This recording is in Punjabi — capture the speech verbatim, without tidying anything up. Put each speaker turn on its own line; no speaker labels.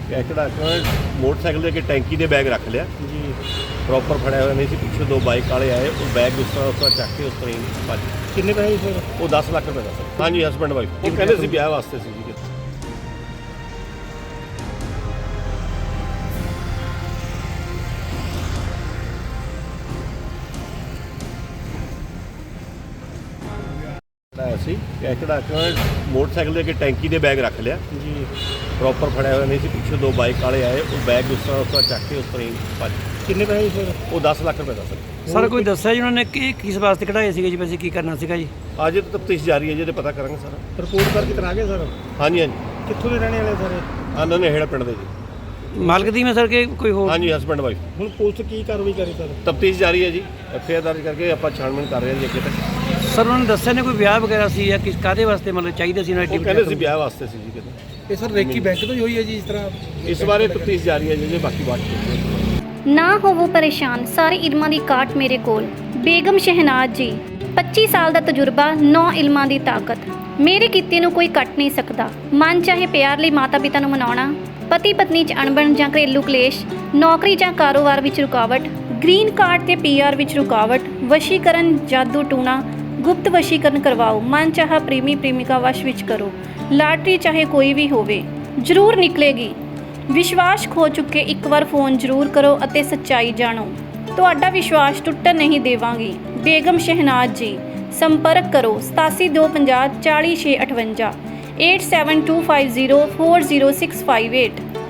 ਕਿਹੜਾ ਮੋਟਰਸਾਈਕਲ ਦੇ ਅੱਗੇ ਟੈਂਕੀ ਦੇ ਬੈਗ ਰੱਖ ਲਿਆ
ਜੀ
ਪ੍ਰੋਪਰ ਫੜਿਆ ਹੋਇਆ ਨਹੀਂ ਸੀ। ਪਿੱਛੇ ਦੋ ਬਾਈਕ ਵਾਲੇ ਆਏ, ਉਹ ਬੈਗ ਉਸ ਤਰ੍ਹਾਂ ਉਸ ਤਰ੍ਹਾਂ ਚੱਕ ਕੇ ਉਸ ਤਰ੍ਹਾਂ ਹੀ ਭੱਜ ਗਏ।
ਕਿੰਨੇ ਪੈਸੇ ਸਰ?
ਉਹ ਦਸ ਲੱਖ ਰੁਪਏ ਦਾ ਸੀ। ਹਾਂਜੀ ਹਸਬੈਂਡ ਵਾਈਫ, ਉਹ ਕਹਿੰਦੇ ਸੀ ਵਿਆਹ ਵਾਸਤੇ ਸੀ ਜੀ। ਸੀ ਕਿਹੜਾ ਮੋਟਰਸਾਈਕਲ ਦੇ ਅੱਗੇ ਟੈਂਕੀ ਦੇ ਬੈਗ ਰੱਖ ਲਿਆ
ਜੀ
ਪ੍ਰੋਪਰ ਫੜਿਆ ਹੋਇਆ ਨਹੀਂ ਸੀ। ਪਿੱਛੇ ਦੋ ਬਾਈਕ ਵਾਲੇ ਆਏ, ਉਹ ਬੈਗ ਉਸ ਤਰ੍ਹਾਂ ਉਸ ਤਰ੍ਹਾਂ ਚੱਕ ਕੇ ਉਸ ਤਰ੍ਹਾਂ ਹੀ ਭੱਜ ਗਏ।
ਕਿੰਨੇ ਪੈਸੇ ਸਰ?
ਉਹ ਦਸ ਲੱਖ ਰੁਪਏ ਦਾ ਸੀ।
ਸਰ ਕੋਈ ਦੱਸਿਆ ਜੀ ਉਹਨਾਂ ਨੇ ਕਿ ਕਿਸ ਵਾਸਤੇ ਕਢਾਏ ਸੀਗੇ ਜੀ, ਪੈਸੇ ਕੀ ਕਰਨਾ ਸੀਗਾ ਜੀ?
ਅੱਜ ਤਾਂ ਤਫਤੀਸ਼ ਜਾਰੀ ਹੈ ਜੀ, ਤੇ ਪਤਾ ਕਰਾਂਗੇ ਸਾਰਾ।
ਰਿਪੋਰਟ ਕਰਕੇ ਕਰਾ ਗਏ ਸਰ?
ਹਾਂਜੀ ਹਾਂਜੀ
ਕਿੱਥੋਂ ਦੇ ਰਹਿਣੇ ਵਾਲੇ ਸਾਰੇ?
ਆਨੰਦ ਨੇਹੜਾ ਪਿੰਡ ਦੇ ਜੀ।
ਮਾਲਕ ਦੀ ਮੈਂ ਸਰ ਕਿ ਕੋਈ ਹੋਰ?
ਹਾਂਜੀ ਹਸਬੈਂਡ ਵਾਈਫ।
ਹੁਣ ਪੁਲਿਸ ਕੀ ਕਾਰਵਾਈ ਕਰੇ ਸਰ?
ਤਫਤੀਸ਼ ਜਾਰੀ ਹੈ ਜੀ, ਐਫ ਆਈ ਆਰ ਦਰਜ ਕਰਕੇ ਆਪਾਂ ਛਾਣਬੀਣ ਕਰ ਰਹੇ ਹਾਂ ਜੀ ਅੱਗੇ ਤੱਕ।
ਸਰ ਉਹਨਾਂ ਨੇ ਦੱਸਿਆ ਨੇ ਕੋਈ ਵਿਆਹ ਵਗੈਰਾ ਸੀ ਜਾਂ ਕਿਸ ਕਾਹਦੇ ਵਾਸਤੇ ਮਤਲਬ ਚਾਹੀਦਾ ਸੀ?
ਉਹ ਕਹਿੰਦੇ ਸੀ ਵਿਆਹ ਵਾਸਤੇ ਸੀ ਜੀ ਕਿਤੇ।
ਇਹ ਸਰ ਰੇਕੀ ਬੈਂਕ ਤੋਂ ਹੀ ਹੋਈ ਹੈ ਜੀ ਇਸ ਤਰ੍ਹਾਂ?
ਇਸ ਬਾਰੇ ਤਫਤੀਸ਼ ਜਾਰੀ ਹੈ ਜੀ, ਬਾਕੀ ਬਾਤ
ਨਾ ਹੋਵੋ ਪਰੇਸ਼ਾਨ, ਸਾਰੇ ਇਲਮਾਂ ਦੀ ਕਾਟ ਮੇਰੇ ਕੋਲ। ਬੇਗਮ ਸ਼ਹਿਨਾਜ਼ ਜੀ, ਪੱਚੀ ਸਾਲ ਦਾ ਤਜਰਬਾ, ਨੌ ਇਲਮਾਂ ਦੀ ਤਾਕਤ। ਮੇਰੇ ਕੀਤੇ ਨੂੰ ਕੋਈ ਕੱਟ ਨਹੀਂ ਸਕਦਾ। ਮਨ ਚਾਹੇ ਪਿਆਰ ਲਈ ਮਾਤਾ ਪਿਤਾ ਨੂੰ ਮਨਾਉਣਾ, ਪਤੀ ਪਤਨੀ 'ਚ ਅਣਬਣ ਜਾਂ ਘਰੇਲੂ ਕਲੇਸ਼, ਨੌਕਰੀ ਜਾਂ ਕਾਰੋਬਾਰ ਵਿੱਚ ਰੁਕਾਵਟ, ਗ੍ਰੀਨ ਕਾਰਡ ਤੇ ਪੀ ਆਰ ਵਿੱਚ ਰੁਕਾਵਟ, ਵਸ਼ੀਕਰਨ, ਜਾਦੂ ਟੂਣਾ, ਗੁਪਤ ਵਸ਼ੀਕਰਨ ਕਰਵਾਓ, ਮਨ ਚਾਹਾ ਪ੍ਰੇਮੀ ਪ੍ਰੇਮਿਕਾ ਵਸ਼ ਵਿੱਚ ਕਰੋ। ਲਾਟਰੀ ਚਾਹੇ ਕੋਈ ਵੀ ਹੋਵੇ ਜ਼ਰੂਰ ਨਿਕਲੇਗੀ। ਵਿਸ਼ਵਾਸ ਖੋ ਚੁੱਕੇ ਇੱਕ ਵਾਰ ਫੋਨ ਜ਼ਰੂਰ ਕਰੋ ਅਤੇ ਸੱਚਾਈ ਜਾਣੋ। ਤੁਹਾਡਾ ਵਿਸ਼ਵਾਸ ਟੁੱਟਣ ਨਹੀਂ ਦੇਵਾਂਗੀ। ਬੇਗਮ ਸ਼ਹਿਨਾਜ਼ ਜੀ, ਸੰਪਰਕ ਕਰੋ ਸਤਾਸੀ ਦੋ ਪੰਜਾਹ ਚਾਲੀ ਛੇ ਅਠਵੰਜਾ, eight seven two five zero four zero six five eight.